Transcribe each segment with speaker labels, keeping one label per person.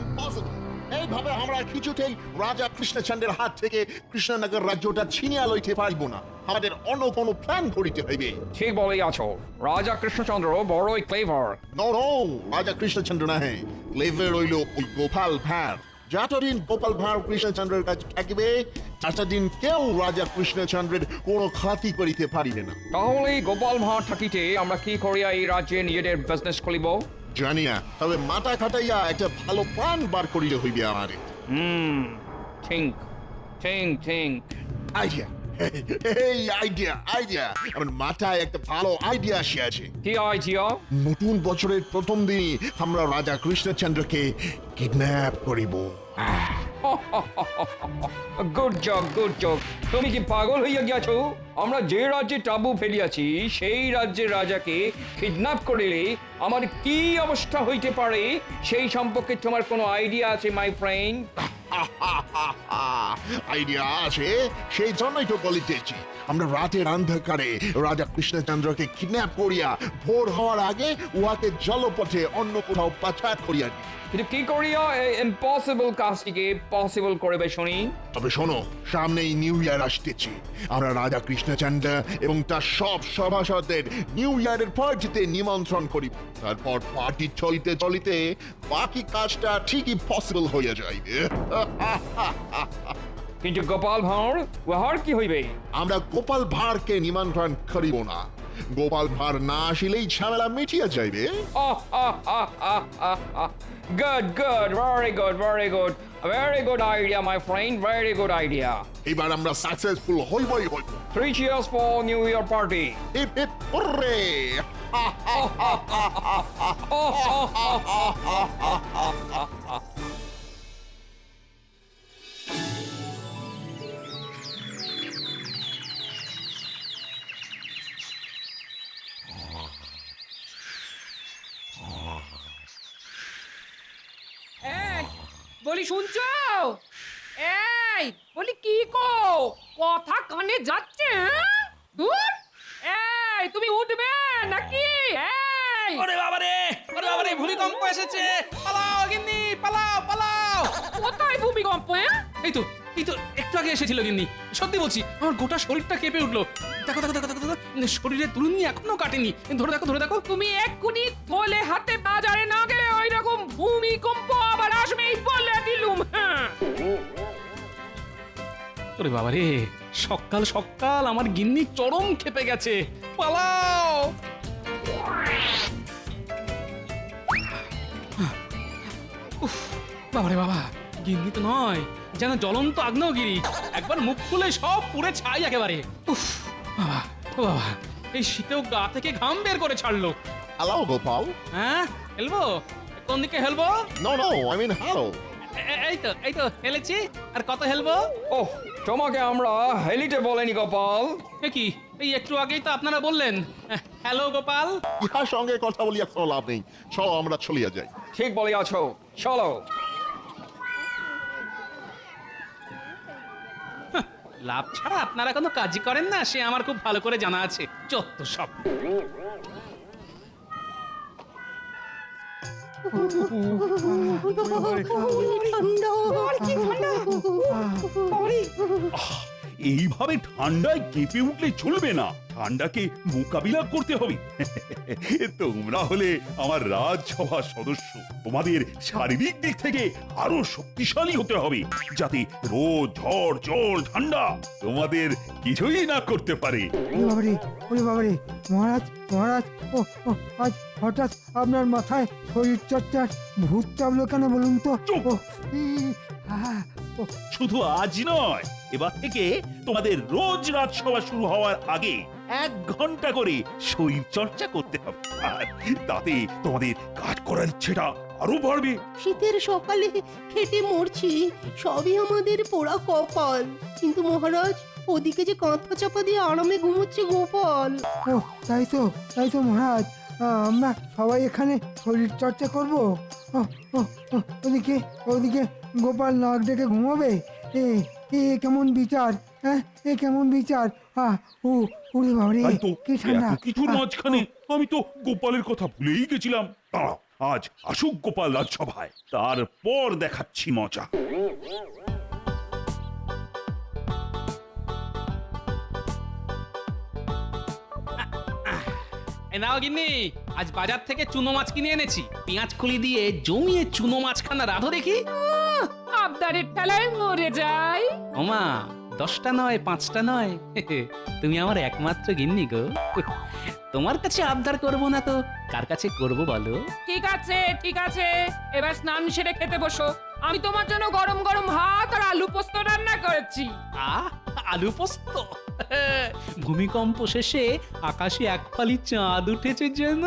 Speaker 1: Impossible. এইভাবে আমরা কিছুতেই রাজা কৃষ্ণচন্দ্রের হাত থেকে কৃষ্ণনগর রাজ্যটা ছিনিয়ে লইতে পারবো না। আমাদের অন্য কোনো প্ল্যান করিতে হইবে।
Speaker 2: ঠিক বলেই আছো, রাজা কৃষ্ণচন্দ্র বড়ই ক্লেভার।
Speaker 1: নো নো, রাজা কৃষ্ণচন্দ্র নহে, ক্লেভার রইল ওই গোপাল ভাঁড়। যতদিন গোপাল ভাঁড় কৃষ্ণচন্দ্রের কাছে থাকবে ততদিন কেউ রাজা কৃষ্ণচন্দ্রের কোনো ক্ষতি করিতে পারিবে না।
Speaker 2: তাহলে গোপাল ভাঁড় থাকিতে আমরা কি করিয়া এই রাজ্যে নিজেদের বিজনেস খুলিব?
Speaker 1: জানি না, তবে মাথা খাটাইয়া একটা ভালো প্ল্যান বার করিলে হইবে আমাদের।
Speaker 2: থিঙ্ক থিঙ্ক থিঙ্ক
Speaker 1: আইডিয়া, এই আইডিয়া আমার মাথায় একটা ভালো আইডিয়া আসিয়াছে।
Speaker 2: কি আইডিয়া?
Speaker 1: নতুন বছরের প্রথম দিনই আমরা রাজা কৃষ্ণচন্দ্রকে কিডন্যাপ করিব।
Speaker 2: Good job good job. তুমি কি পাগল হইয়া গিয়াছো? আমরা যে রাজ্যে টাবু ফেলিয়াছি সেই রাজ্যের রাজাকে কিডন্যাপ করিলে আমার কি অবস্থা হইতে পারে সেই সম্পর্কে তোমার কোনো আইডিয়া আছে মাই ফ্রেন্ড?
Speaker 1: আইডিয়া আছে, সেই জন্যই তো বলিতেছি। আমরা রাতের অন্ধকারে রাজা কৃষ্ণচন্দ্রকে কিডন্যাপ করিয়া ভোর হওয়ার আগে উহাকে জলপথে অন্য কোথাও পাচার করিয়া দিই।
Speaker 2: কিন্তু কি করিয়া এই ইম্পসিবল কাজটিকে পসিবল করবে শুনি?
Speaker 1: তবে শোনো, সামনেই নিউ ইয়ার আসতেছে। আমরা রাজা কৃষ্ণচন্দ্র এবং তার সব সভাসদদের নিউ ইয়ারের পার্টিতে নিমন্ত্রণ করিব। তারপর পার্টি চলিতে চলিতে বাকি কাজটা ঠিকই পসিবল হইয়া যাইবে।
Speaker 2: কিন্তু গোপাল ভাঁড়, উহার কি হইবে?
Speaker 1: আমরা গোপাল ভাঁড়কে নিমন্ত্রণ করিব না। গোপাল ভাঁড় না আসিলেই ঝামেলা মিটিয়া যাইবে।
Speaker 2: Good, good, very good, very good. A very good idea, my friend, very good idea.
Speaker 1: এবার আমরা সাকসেসফুল হইবই হইব।
Speaker 2: 3 cheers for New Year party.
Speaker 1: Hip hip hurray!
Speaker 3: এই বলি শুনছো? এই বলি কি গো, কথা কানে যাচ্ছে? হ্যাঁ? দূর এই তুমি উঠবে নাকি? এই
Speaker 4: ওরে বাবারে, ওরে বাবারে, ভূমিকম্প এসেছে! পালাও গিন্নি, পালাও পালাও!
Speaker 3: কোথায় ভূমিকম্প?
Speaker 4: এই তো একটু আগে এসেছিল গিন্নি। সত্যি বলছি, আমার গোটা শরীরটা কেঁপে উঠলো। দেখো দেখো দেখো দেখো, শরীরের তুলুনি এখনো কাটেনি। ধরে দেখো ধরে দেখো।
Speaker 3: তুমি এক্ষুনি থলে হাতে বাজারে না গেলে ওই রকম ভূমিকম্প আবার আসবেই বলে দিলুম। হ্যাঁ
Speaker 4: ওরে বাবারে, সকাল সকাল আমার গিন্নি চরম খেপে গেছে। পালাও! উফ, বাবারে বাবা, গিন্নি তো নয়, যেন জ্বলন্ত আগ্নেয়গিরি। একবার মুখ খুলে সব পুড়ে ছাই একেবারে। উফ বাবা, ও বাবা, এই শীতেও গা থেকে ঘাম বের করে ছাড়লো।
Speaker 1: হ্যালো গোপাল।
Speaker 4: হ্যাঁ, হেলবো? কোন দিকে হেলবো?
Speaker 1: No no, I mean hello.
Speaker 4: এই তো হেলেছি। আর কত হেলবো?
Speaker 2: ওহ, তোমাকে আমরা হেলিতে বলেনি গোপাল।
Speaker 4: এ কি, এই একটু আগেই তো আপনারা বললেন হ্যালো গোপাল।
Speaker 1: ইহার সঙ্গে কথা বলিয়া কোনো লাভ নেই, চলো আমরা চলিয়া যাই।
Speaker 2: ঠিক বলিয়াছো, চলো।
Speaker 4: লাভ ছাড়া আপনারা কোনো কাজই করেন না, সে আমার খুব ভালো করে জানা আছে। যত সব।
Speaker 5: এইভাবে ঠান্ডায় কেঁপে উঠলে চলবে না, ঠান্ডাকে মোকাবিলা করতে হবে। তোমরা হলে আমার রাজসভার সদস্য, তোমাদের শারীরিক দিক থেকে আরো শক্তিশালী হতে হবে, যাতে রোদ ঝড় জল ঠান্ডা তোমাদের কিছুই না করতে পারে।
Speaker 6: ওরে বাবারে, মহারাজ মহারাজ, ও আজ হঠাৎ আপনার মাথায় শরীর চর্চার ভূত চাপলো কেন বলুন তো?
Speaker 5: চুপ!
Speaker 6: ও, ও,
Speaker 5: শুধু আজ নয়, এবার থেকে তোমাদের রোজ রাজসভা শুরু হওয়ার আগে 1 ঘন্টা করে শরীর চর্চা করতে হবে, আর তাতে তোমাদের কাজ করার ইচ্ছেটা আরো বাড়বে।
Speaker 7: শীতের সকালে খেটে মরছি, সবই আমাদের পোড়া কপাল। কিন্তু মহারাজ, ওদিকে যে কাঁথা চাপা দিয়ে আরামে ঘুমোচ্ছে গোপাল।
Speaker 6: ও, তাই তো মহারাজ, আমরা সবাই এখানে শরীর চর্চা করবো। ও, ও, ও, ওদিকে ওদিকে গোপাল নাক ডেকে ঘুমাবে। এ এ কেমন বিচার? হ্যাঁ, এ কেমন বিচার? ওরে বাবারে,
Speaker 5: তাই তো,
Speaker 6: কি ঠান্ডা!
Speaker 5: এত কিছুর মাঝখানে আমি তো গোপালের কথা ভুলেই গেছিলাম। দাঁড়াও, আজ আসুক গোপাল রাজসভায়, তারপর দেখাচ্ছি মজা।
Speaker 4: এ নাও গিন্নি, আজ বাজার থেকে চুনো মাছ কিনে এনেছি। পেঁয়াজ কুলি দিয়ে জমিয়ে চুনো মাছখানা রাধো দেখি।
Speaker 3: আবদারের ঠেলায় মরে যাই।
Speaker 4: ওমা, 10টা নয় 5টা নয়, তুমি আমার একমাত্র গিন্নি গো। তোমার কাছে আবদার করব না তো কার কাছে করব বলো?
Speaker 3: ঠিক আছে ঠিক আছে, এবার স্নান সেরে খেতে বসো। আমি তোমার জন্য গরম গরম ভাত আর আলু পোস্ত রান্না করেছি।
Speaker 4: আলু পোস্ত? ভূমিকম্প শেষে আকাশে এক ফালি চাঁদ উঠেছে যেন।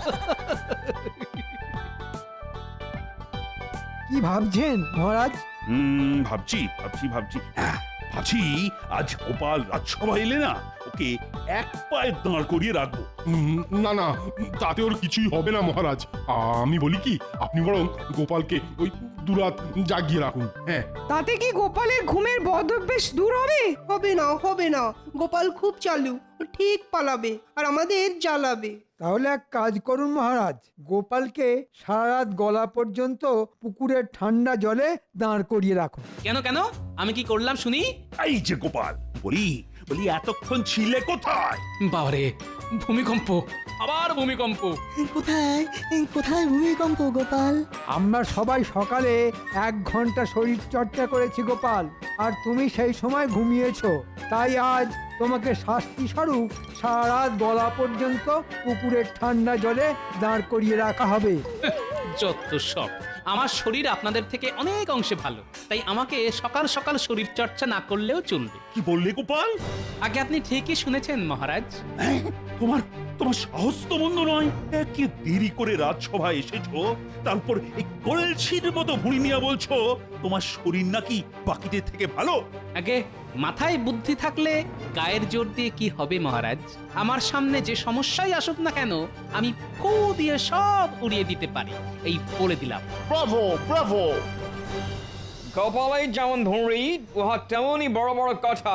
Speaker 6: কি ভাবছেন মহারাজ?
Speaker 5: ভাবছি ভাবছি আজ গোপাল রাজসভা এলে না, ওকে এক পায়ে দাঁড় করিয়ে রাখবো।
Speaker 8: না না, তাতে ওর কিছুই হবে না মহারাজ। আমি বলি কি, আপনি বরং গোপালকে ওই দুরাত জাগিয়ে রাখুন। হ্যাঁ,
Speaker 9: তাতে কি গোপালের ঘুমের বদভ্যাস দূর হবে?
Speaker 7: হবে না, গোপাল খুব চালু, ও ঠিক পালাবে আর আমাদের জ্বালাবে।
Speaker 6: তাহলে এক কাজ করুন মহারাজ, গোপালকে সারা রাত গলা পর্যন্ত পুকুরের ঠান্ডা জলে দাঁড় করিয়ে রাখুন।
Speaker 4: কেন কেন, আমি কি করলাম শুনি?
Speaker 5: এই যে গোপাল, বলি এতক্ষণ ছিলে কোথায়?
Speaker 4: বাবারে, ভূমিকম্প, আবার ভূমিকম্প।
Speaker 7: কোথায় কোথায় ভূমিকম্প গোপাল?
Speaker 6: আমরা সবাই সকালে 1 ঘন্টা শরীর চর্চা করেছি গোপাল, আর তুমি সেই সময় ঘুমিয়েছো। তাই আজ তোমাকে শাস্তি স্বরূপ সারা রাত গলা পর্যন্ত পুকুরের ঠান্ডা জলে দাঁড় করিয়ে রাখা হবে।
Speaker 4: যত সব, আমার শরীর আপনাদের থেকে অনেক অংশে ভালো, তাই আমাকে সকাল সকাল শরীর চর্চা না করলেও চলবে।
Speaker 5: কি বললে গোপাল?
Speaker 4: আগে আপনি ঠিকই শুনেছেন মহারাজ।
Speaker 5: হ্যাঁ, তোমার সাহস তো মন্দ নয়। একে দেরি করে রাজসভায় এসেছো, তারপর এই কলসির মতো ভুঁড়ি নিয়ে বলছো তোমার শরীর নাকি বাকিদের থেকে ভালো।
Speaker 4: আগে মাথায় বুদ্ধি থাকলে গায়ের জোর দিয়ে কি হবে মহারাজ? আমার সামনে যে সমস্যাই আসুক না কেন, আমি ফু দিয়ে সব উড়িয়ে দিতে পারি, এই বলে দিলাম।
Speaker 1: Bravo bravo!
Speaker 2: কপালে যেমন ধরি, উহা তেমনই বড় বড় কথা।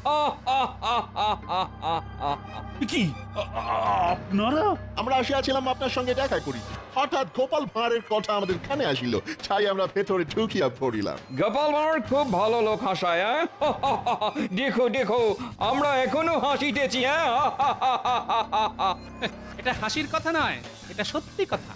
Speaker 5: কি আপনারা?
Speaker 1: আমরা আসিয়াছিলাম আপনার সঙ্গে দেখা করি, হঠাৎ গোপাল ভাঁড়ের কথা আমাদের কানে আসিল, তাই আমরা ভেতরে ঢুকিয়া পড়িলাম।
Speaker 2: গোপাল ভাঁড় খুব ভালো লোক হাসায়। দেখো দেখো, আমরা এখনো হাসিতেছি।
Speaker 4: এটা হাসির কথা নয়, এটা সত্যি কথা।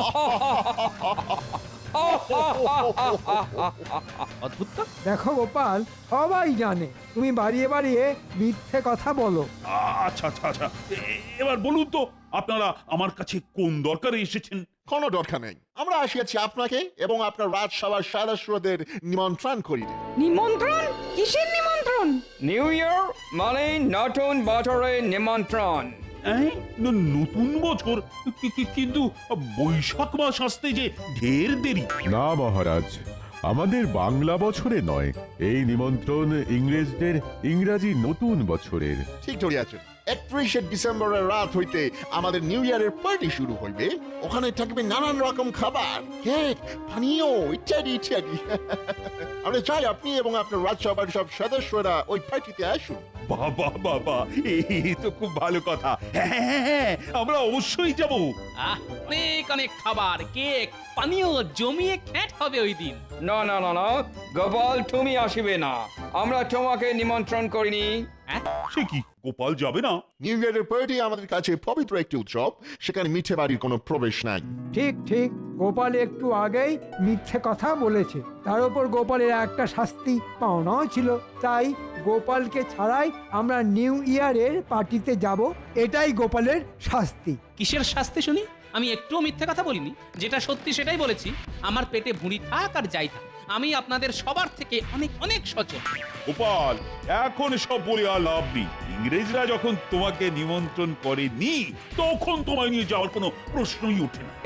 Speaker 4: অদ্ভুত তো।
Speaker 6: দেখো গোপাল, সবাই জানে তুমি বাড়িয়ে বাড়িয়ে মিথ্যে কথা বলো।
Speaker 5: আচ্ছা, এবার বলুন তো, আপনারা আমার কাছে কোন দরকারে এসেছেন?
Speaker 1: কোনো দরকার নেই, আমরা আসিয়াছি আপনাকে এবং আপনার রাজসভার সদস্যদের নিমন্ত্রণ করিতে।
Speaker 9: নিমন্ত্রণ? কিসের নিমন্ত্রণ?
Speaker 2: নিউ ইয়ার মানে নতুন বছরের নিমন্ত্রণ।
Speaker 5: নতুন বছর? কিন্তু বৈশাখ মাস আসতে যে ঢের দেরি।
Speaker 10: না মহারাজ, আমাদের বাংলা বছরে নয়, এই নিমন্ত্রণ ইংরেজদের ইংরাজি নতুন বছরের।
Speaker 1: ঠিক ধরিয়াছেন, 31শে ডিসেম্বরের রাত হইতে আমাদের নিউ ইয়ারের পার্টি শুরু হইবে। ওখানে থাকবে নানান রকম খাবার, কেক, পানীয় ইত্যাদি ইত্যাদি। আমরা চাই আপনি এবং আপনার রাজসভার সব সদস্যরা ওই পার্টিতে আসুন।
Speaker 5: বাবা, এই তো খুব ভালো কথা। হ্যাঁ, আমরা অবশ্যই যাব।
Speaker 4: অনেক অনেক খাবার, কেক, পানীয় জমিয়ে খ্যাট হবে ওই দিন।
Speaker 2: না না না না, গোপাল তুমি আসিবে না, আমরা তোমাকে নিমন্ত্রণ করিনি।
Speaker 5: সে কি, গোপাল যাবে না?
Speaker 1: নিউ ইয়ারের পার্টি আমাদের কাছে পবিত্র একটি উৎসব, সেখানে মিঠে বাড়ির কোনো প্রবেশ নাই।
Speaker 6: ঠিক ঠিক, গোপাল একটু আগেই মিথ্যে কথা বলেছে, তার উপর গোপালের একটা শাস্তি পাওনাও ছিল। তাই গোপালকে ছাড়াই আমরা নিউ ইয়ারের পার্টিতে যাব, এটাই গোপালের শাস্তি।
Speaker 4: কিসের শাস্তি শুনি? আমি একটুও মিথ্যে কথা বলিনি, যেটা সত্যি সেটাই বলেছি। আমার পেটে ভুঁড়ি থাক আর যাই থাক, আমি আপনাদের সবার থেকে অনেক অনেক সচেতন।
Speaker 5: গোপাল, এখন সব বলে আর লাভ নেই। ইংরেজরা যখন তোমাকে নিমন্ত্রণ করেনি, তখন তোমায় নিয়ে যাওয়ার কোনো প্রশ্নই ওঠে না।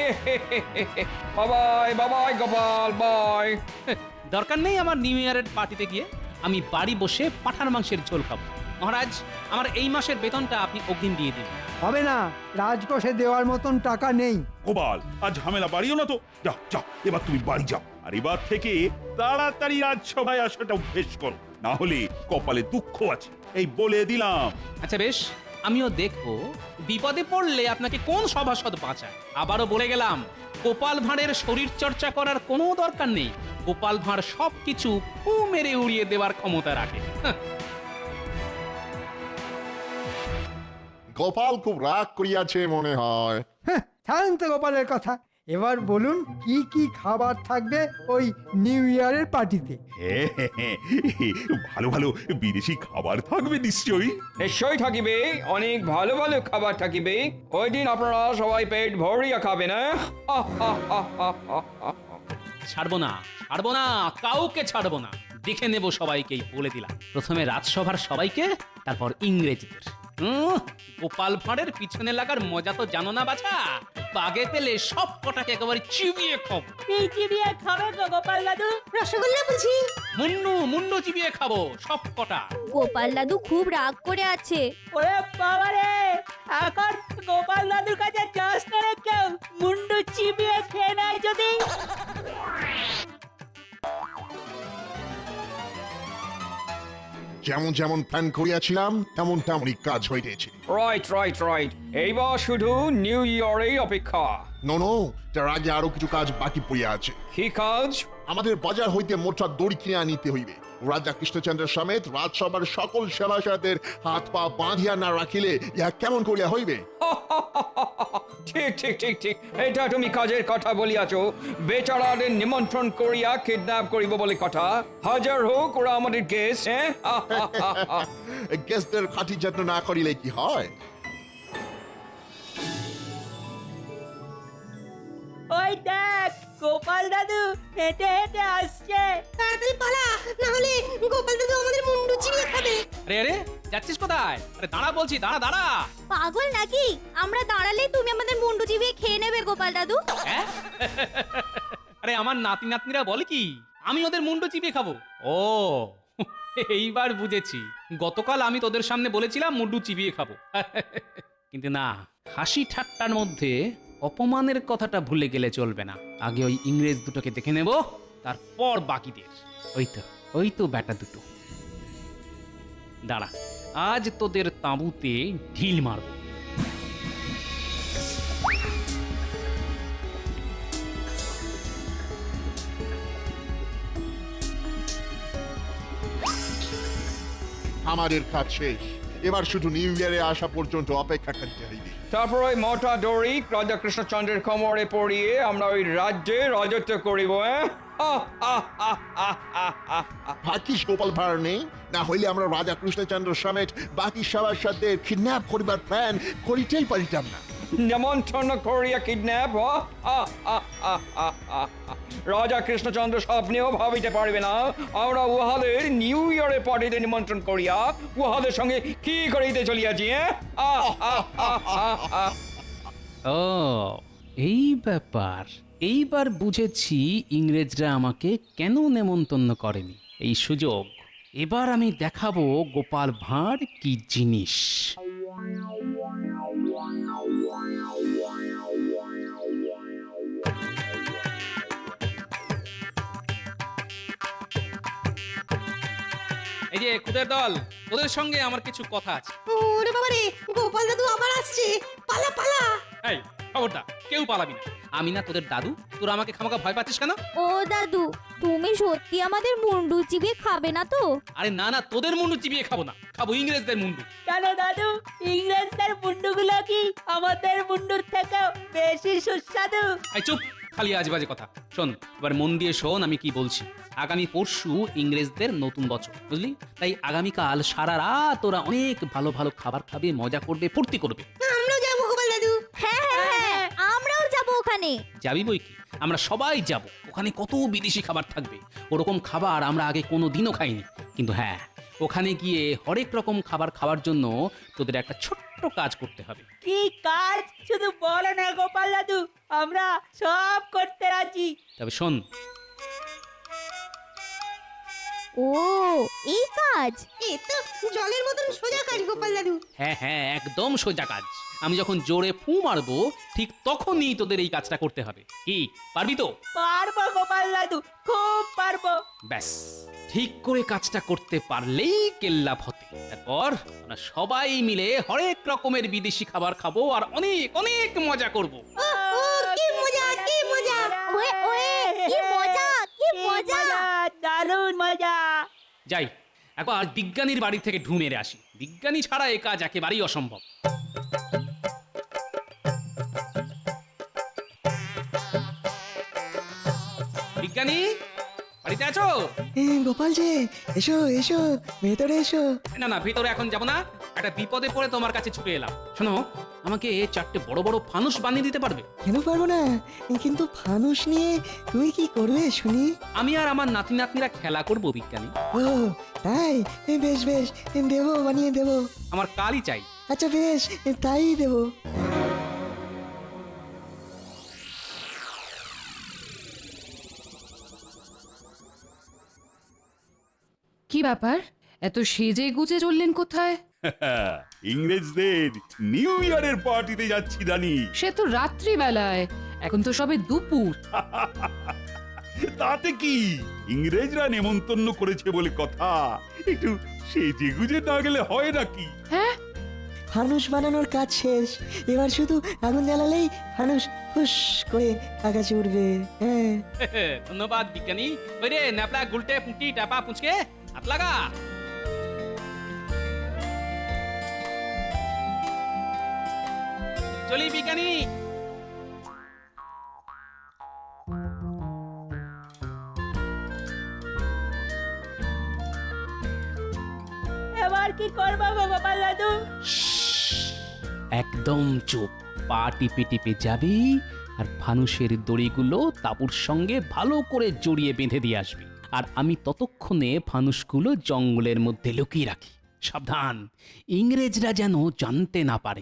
Speaker 2: বাবাই বাবাই গোপাল বাই।
Speaker 4: দরকার নেই আমার নিউ ইয়ারের পার্টিতে গিয়ে, আমি বাড়ি বসে পাঁঠার মাংসের ঝোল খাবো। মহারাজ, আমার এই মাসের বেতনটা আপনি অগ্রিম দিয়ে দিন।
Speaker 6: হবে না, রাজকোষে দেওয়ার মতন টাকা নেই।
Speaker 5: গোপাল, আজ ঝামেলা বাড়িও না তো। যাও, এবার তুমি বাড়ি যাও, আর এবার থেকে তাড়াতাড়ি রাজসভায় আসাটা অভ্যেস করো, না হলে কপালে দুঃখ আছে, এই বলে দিলাম।
Speaker 4: আচ্ছা বেশ, আমিও দেখবো বিপদে পড়লে আপনাকে কোন সভাসদ বাঁচায়। আবারও বলে গেলাম, গোপাল ভাঁড়ের শরীর চর্চা করার কোনো দরকার নেই। গোপাল ভাঁড় সবকিছু ফু মেরে উড়িয়ে দেওয়ার ক্ষমতা রাখে।
Speaker 1: গোপাল খুব রাগ করিয়াছে মনে হয়।
Speaker 6: হ্যাঁ, ছাড়েন তো গোপালের কথা। এবার বলুন কি কি খাবার থাকবে ওই নিউ ইয়ারের পার্টিতে?
Speaker 5: হ্যাঁ, ভালো ভালো বিদেশি খাবার থাকবে নিশ্চয়ই।
Speaker 2: নিশ্চয়ই থাকিবে, অনেক ভালো ভালো খাবার থাকিবে। ওই দিন আপনারা সবাই পেট ভরিয়া খাবেন।
Speaker 4: ছাড়বো না, ছাড়বো না, কাউকে ছাড়বো না। দেখে নেব সবাইকেই, বলে দিলাম। প্রথমে রাজসভার সবাইকে, তারপর ইংরেজদের। গোপাল ভাঁড়ের পিছনে লাগার মজা তো জানো না বাছা? বাগে পেলে সব কটাকে একেবারে চিবিয়ে খাবো।
Speaker 7: এই চিবিয়ে খাবে তো গোপাল দাদু? রসগোল্লা বুঝি?
Speaker 4: মুন্ডু মুন্ডু চিবিয়ে খাবো সব কটা।
Speaker 11: গোপাল দাদু খুব রাগ করে আছে।
Speaker 7: ওরে বাবা রে, এখন গোপাল দাদুর কাছে যাস না রে কেউ। মুন্ডু চিবিয়ে খেয়ে নেয় যদি।
Speaker 1: যেমন যেমন প্ল্যান করিয়াছিলাম তেমন তেমনই কাজ হইতেছে।
Speaker 2: রাইট রাইট রাইট, এইবার শুধু নিউ ইয়ারের অপেক্ষা।
Speaker 1: নো, তার আগে আরো কিছু কাজ বাকি পড়িয়া আছে।
Speaker 2: কি কাজ?
Speaker 1: আমাদের বাজার হইতে মোটা দড়ি কিনে আনিতে হইবে। রাজা কৃষ্ণচন্দ্র সমেত রাজসভার সকল সেবাসাদের হাত পা বাঁধিয়া না রাখিলে ইহা কেমন করিয়া হইবে?
Speaker 2: ঠিক ঠিক ঠিক ঠিক, এটা তুমি কাজের কথা বলিয়াছ। বেচারাদের নিমন্ত্রণ করিয়া কিডন্যাপ করিব বলে কথা। হাজার হোক ওরা আমাদের গেস্ট। হ্যাঁ,
Speaker 1: গেস্টদের খাঁটি যত্ন না করিলে কি হয়?
Speaker 7: ওই দেখ, গোপাল দাদু হেঁটে হেঁটে আসছে। তাড়াতাড়ি পালা, না হলে গোপাল দাদু আমাদের মুন্ডু চিবিয়ে খাবে।
Speaker 4: আরে আরে, যাচ্ছিস কোথায়? আরে দাঁড়া বলছি, দাঁড়া দাঁড়া।
Speaker 11: পাগল নাকি? আমরা দাঁড়ালে তুমি আমাদের মুন্ডু চিবিয়ে খেয়ে নেবে গোপাল দাদু।
Speaker 4: হ্যাঁ? আরে আমার নাতি নাতনিরা বলে কি আমি ওদের মুন্ডু চিবিয়ে খাবো? ও এইবার বুঝেছি। গতকাল আমি তোদের সামনে বলেছিলাম মুন্ডু চিবিয়ে খাবো। কিন্তু না, হাসি ঠাট্টার মধ্যে অপমানের কথাটা ভুলে গেলে চলবে না। আগে ওই ইংরেজ দুটোকে দেখে নেব, তারপর বাকিদের। ওই তো ব্যাটা দুটো। দাঁড়া, আজ তোদের তাঁবুতে ঢিল মারব।
Speaker 1: আমাদের কাজ শেষ। এবার শুধু নিউ ইয়ারে আসা পর্যন্ত অপেক্ষা করতে হইবে।
Speaker 2: তারপর ওই মোটা দড়ি রাজা কৃষ্ণচন্দ্রের কোমরে পরিয়ে আমরা ওই রাজ্যে রাজত্ব করিব।
Speaker 1: ভাগ্যিস গোপাল ভাঁড় নেই, না হইলে আমরা রাজা কৃষ্ণচন্দ্র সমেত বাকি সভাসদের কিডন্যাপ করিবার প্ল্যান করিতেই পারিতাম না।
Speaker 2: নিমন্ত্রণ করিয়া কিডন্যাপ? রাজা কৃষ্ণচন্দ্র স্বপ্নেও ভাবিতে পারবে না আমরা উহাদের নিউ ইয়ারে পার্টিতে নিমন্ত্রণ করিয়া উহাদের সঙ্গে কি করিতে চলিয়াছি।
Speaker 4: ও এই ব্যাপার, এইবার বুঝেছি ইংরেজরা আমাকে কেন নেমন্তন্ন করেনি। এই সুযোগ এবার আমি দেখাবো গোপাল ভাঁড় কি জিনিস। এই যে খুদের দল, তোদের সঙ্গে আমার কিছু কথা আছে।
Speaker 7: ওরে বাবা রে, গোপাল দাদু আবার আসছে। পালা পালা।
Speaker 4: এই খবরটা, কেউ পালাবি না। আমি না তোদের দাদু, তোরা আমাকে খামাখা ভয় পাচ্ছিস কেন?
Speaker 11: ও দাদু, তুমি সত্যি আমাদের মুন্ডু চিবিয়ে খাবে না তো?
Speaker 4: আরে না না, তোদের মুন্ডু চিবিয়ে খাবো না, খাবো ইংরেজদের মুন্ডু।
Speaker 7: কেন দাদু, ইংরেজদের মুন্ডুগুলো কি আমাদের মুন্ডুর থেকে বেশি সুস্বাদু?
Speaker 4: এই চুপ, খালি আজেবাজে কথা। শোন, এবার মন দিয়ে শোন আমি কি বলছি। আগামী পরশু ইংরেজদের নতুন বছর, বুঝলি? তাই আগামীকাল সারা রাত ওরা অনেক ভালো ভালো খাবার খাবে, মজা করবে, ফুর্তি করবে।
Speaker 7: আমরাও যাবো গোপাল দাদু।
Speaker 11: হ্যাঁ হ্যাঁ হ্যাঁ, আমরাও যাবো ওখানে।
Speaker 4: যাবি বই কি, আমরা সবাই যাব। ওখানে কত বিদেশি খাবার থাকবে, ওরকম খাবার আমরা আগে কোনো দিনও খাইনি। কিন্তু হ্যাঁ, ওখানে গিয়ে হরেক রকম খাবার খাওয়ার জন্য তোদের একটা ছোট্ট কাজ করতে হবে।
Speaker 7: কি কাজ? শুধু বলো না গোপাল দাদু, আমরা সব করতে রাজি।
Speaker 4: তবে শোন,
Speaker 11: ও এই কাজ?
Speaker 7: এ তো জলের মতন সোজা কাজ গোপাল দাদু।
Speaker 4: হ্যাঁ হ্যাঁ, একদম সোজা কাজ। আমি যখন জোরে ফু মারবো ঠিক তখনই তোদের এই কাজটা করতে হবে। কি পারবি তো?
Speaker 7: পারবো গোপাল দাদু, খুব পারবো।
Speaker 4: ব্যাস, ঠিক করে কাজটা করতে পারলেই কেল্লা ফতে। তারপর আমরা সবাই মিলে হরেক রকমের বিদেশি খাবার খাবো আর অনেক অনেক মজা করব।
Speaker 11: ও কি মজা কি মজা ওয়ে ওয়ে কি মজা কি মজা
Speaker 9: দারুণ মজা।
Speaker 4: যাই একবার বিজ্ঞানীর বাড়ি থেকে ঢু মেরে আসি, বিজ্ঞানী ছাড়া এ কাজ একেবারেই অসম্ভব। বিজ্ঞানী বাড়িতে আছো?
Speaker 6: গোপাল যে, এসো এসো, ভেতরে এসো।
Speaker 4: না না, ভিতরে এখন যাব না, একটা বিপদে পড়ে তোমার কাছে ছুটে এলাম। শোনো, আমাকে 4টে বড় বড় ফানুস বানিয়ে দিতে পারবে?
Speaker 6: কেন পারবো না, কিন্তু ফানুস নিয়ে তুমি কি করবে শুনি?
Speaker 4: আমি আর আমার নাতি নাতনিরা খেলা করব বিজ্ঞানী।
Speaker 6: ও তাই, বেশ বেশ, দেবো, বানিয়ে দেবো।
Speaker 4: আমার কালই চাই।
Speaker 6: আচ্ছা বেশ, তাই দেবো।
Speaker 3: কি ব্যাপার, এত সেজে গুজে চললেন কোথায়?
Speaker 5: ইংরেজদের নিউ ইয়ারের পার্টিতে যাচ্ছি রানী।
Speaker 3: সে তো রাত্রিবেলায়, এখন তো সবে দুপুর।
Speaker 5: তাতে কি, ইংরেজরা নেমন্তন্ন করেছে বলে কথা, একটু সেজে গুজে না গেলে হয় নাকি?
Speaker 3: হ্যাঁ,
Speaker 6: ফানুস বানানোর কাজ শেষ, এবার শুধু আগুন জ্বালালেই ফানুস ফুস করে আকাশে উঠবে। হ্যাঁ,
Speaker 4: ধন্যবাদ বিজ্ঞানী। ওই রে ন্যাপলা গুলটে পুঁটি টাপা পুঁচকে হাত লাগা। চলি বিজ্ঞানী।
Speaker 9: এবার কি করবো গো গোপাল দাদু?
Speaker 4: একদম চুপ, পা টিপে টিপে যাবি আর ফানুসের দড়িগুলো তাঁবুর সঙ্গে ভালো করে জড়িয়ে বেঁধে দিয়ে আসবি। আর আমি ততক্ষণে ফানুসগুলো জঙ্গলের মধ্যে লুকিয়ে রাখি। সাবধান, ইংরেজরা যেন জানতে না পারে।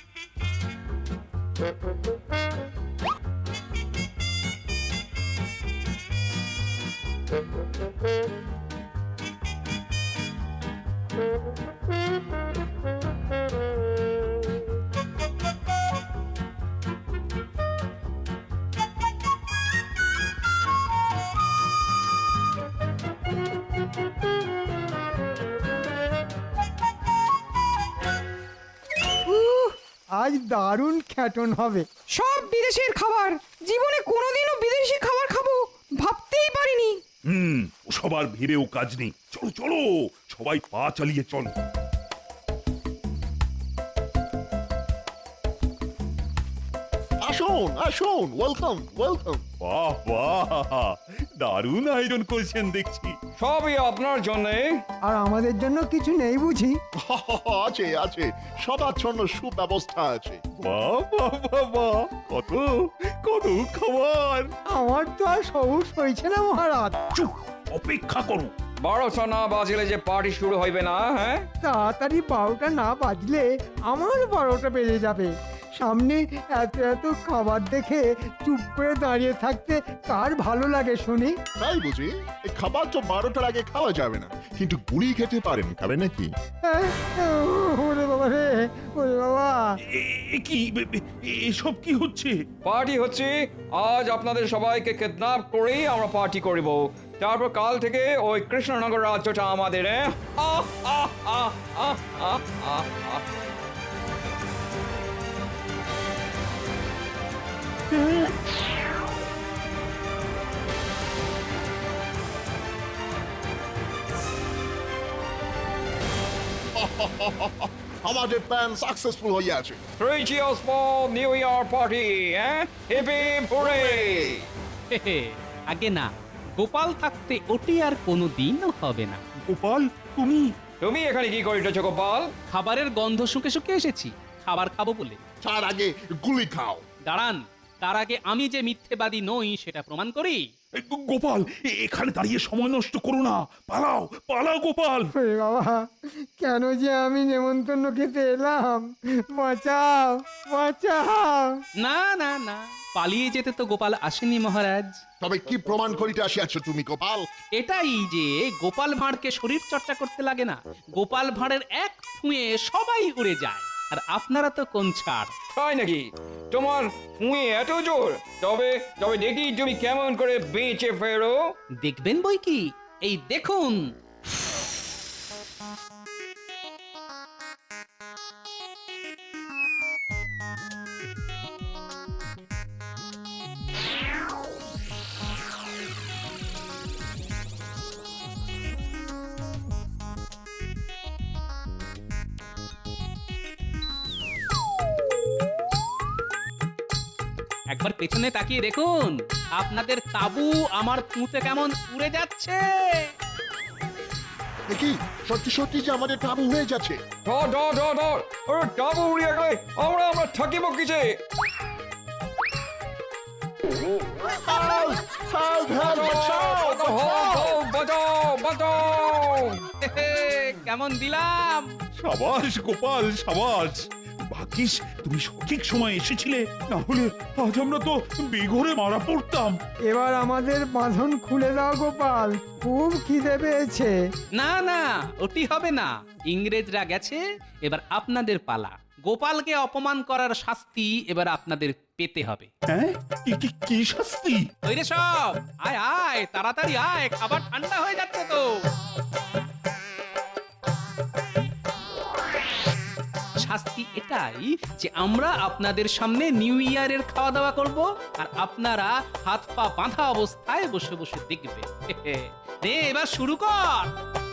Speaker 6: আজ দারুণ খ্যাটন হবে।
Speaker 9: সব বিদেশের খাবার, জীবনে কোনোদিনও বিদেশি খাবার খাবো ভাবতেই পারিনি।
Speaker 5: সবার ভিড়েও কাজ নেই, চলো চলো সবাই পা চালিয়ে চলো।
Speaker 1: আসুন আসুন, ওয়েলকাম ওয়েলকাম।
Speaker 5: বাহ বাহ, দারুণ আয়োজন করেছেন দেখছি।
Speaker 2: সবই আপনার জন্যে।
Speaker 6: আর আমাদের জন্য কিছু নেই বুঝি?
Speaker 1: আছে আছে, সবার জন্য সুব্যবস্থা আছে।
Speaker 5: বাহ বাহ বাহ বাহ, কত কত খাবার।
Speaker 6: আমার তো আর সবুজ হয়েছে না মহারাজ।
Speaker 5: চুপ, অপেক্ষা করো।
Speaker 2: 12টা না বাজলে যে পার্টি শুরু হইবে না। হ্যাঁ,
Speaker 6: তাড়াতাড়ি 12টা না বাজলে আমার 12টা বেজে যাবে। সামনে এত এত খাবার দেখে চুপ করে দাঁড়িয়ে থাকতে কার ভালো লাগে শুনি?
Speaker 1: তাই বুঝি? এই খাবার তো 12টার আগে খাওয়া যাবে না, কিন্তু গুড়ি খেতে পারেন, খাবেন নাকি?
Speaker 6: ওরে বাবা রে, ওরে বাবা।
Speaker 5: কি এসব কি হচ্ছে?
Speaker 2: পার্টি হচ্ছে আজ আপনাদের সবাইকে কিডন্যাপ করেই আমরা পার্টি করব। তারপর কাল থেকে ওই কৃষ্ণনগর রাজ্যটা আমাদের। আহ আহ আহ আহ আহ আহ আহ।
Speaker 1: আমাদের প্ল্যান সাকসেসফুল হয়ে আছে।
Speaker 2: 3 cheers for New Year party, হ্যাঁ? Hip hip hurray!
Speaker 4: আগে না, গোপাল থাকতে ওটি আর কোনোদিনও হবে না।
Speaker 5: গোপাল, তুমি
Speaker 2: তুমি এখানে কি করিতেছ গোপাল?
Speaker 4: খাবারের গন্ধ শুকে শুকে এসেছি, খাবার খাবো বলে।
Speaker 1: তার আগে গুলি খাও।
Speaker 4: দাঁড়ান, তার আগে আমি যে মিথ্যেবাদী নই সেটা প্রমাণ করি।
Speaker 5: গোপাল, এখানে দাঁড়িয়ে সময় নষ্ট করো না, পালাও পালাও গোপাল।
Speaker 6: ওরে বাবা, কেন যে আমি নেমন্তন্ন খেতে এলাম? বাঁচাও বাঁচাও।
Speaker 4: না না না, পালিয়ে যেতে তো গোপাল আসেনি মহারাজ।
Speaker 1: তবে কি প্রমাণ করিতে আসিয়াছ তুমি গোপাল?
Speaker 4: এটাই যে গোপাল ভাঁড়কে শরীর চর্চা করতে লাগে না, গোপাল ভাঁড়ের এক ফুঁয়ে সবাই উড়ে যায়। আর আপনারা তো কোন ছাড়।
Speaker 2: তাই নাকি? তোমার ফুঁয়ে এত জোর? তবে তবে দেখি তুমি কেমন করে বেঁচে ফেরো।
Speaker 4: দেখবেন বই কি, এই দেখুন। একবার পেছনে তাকিয়ে দেখুন, আপনাদের তাবু আমার ফুঁতে কেমন উড়ে যাচ্ছে।
Speaker 1: দেখি সত্যি সত্যি যে আমাদের তাবু হয়ে যাচ্ছে।
Speaker 2: ধর ধর ধর ধর, ওরে টাবু উড়িয়ে গেলে আমরা থাকিব কিসে? বাঁচাও বাঁচাও!
Speaker 4: কেমন দিলাম?
Speaker 5: সাবাস গোপাল, সাবাস। ভাগ্যিস তুমি সঠিক সময় এসেছিলে, না হলে আজ আমরা তো বেঘরে মারা পড়তাম।
Speaker 6: এবার আমাদের বাঁধন খুলে দাও গোপাল, খুব খিদে পেয়েছে।
Speaker 4: না না, ওটি হবে না। ইংরেজরা গেছে, এবার আপনাদের পালা। গোপালকে অপমান করার শাস্তি এবার আপনাদের পেতে হবে।
Speaker 5: হ্যাঁ, কি শাস্তি?
Speaker 4: ওই রে সব, আয় আয় তাড়াতাড়ি আয়, খাবার ঠান্ডা হয়ে যাচ্ছে তো। শাস্তি এটাই যে আমরা আপনাদের সামনে নিউ ইয়ারের খাওয়া দাওয়া করব, আর আপনারা হাত পা বাঁধা অবস্থায় বসে বসে দেখবেন। রে এবার শুরু কর।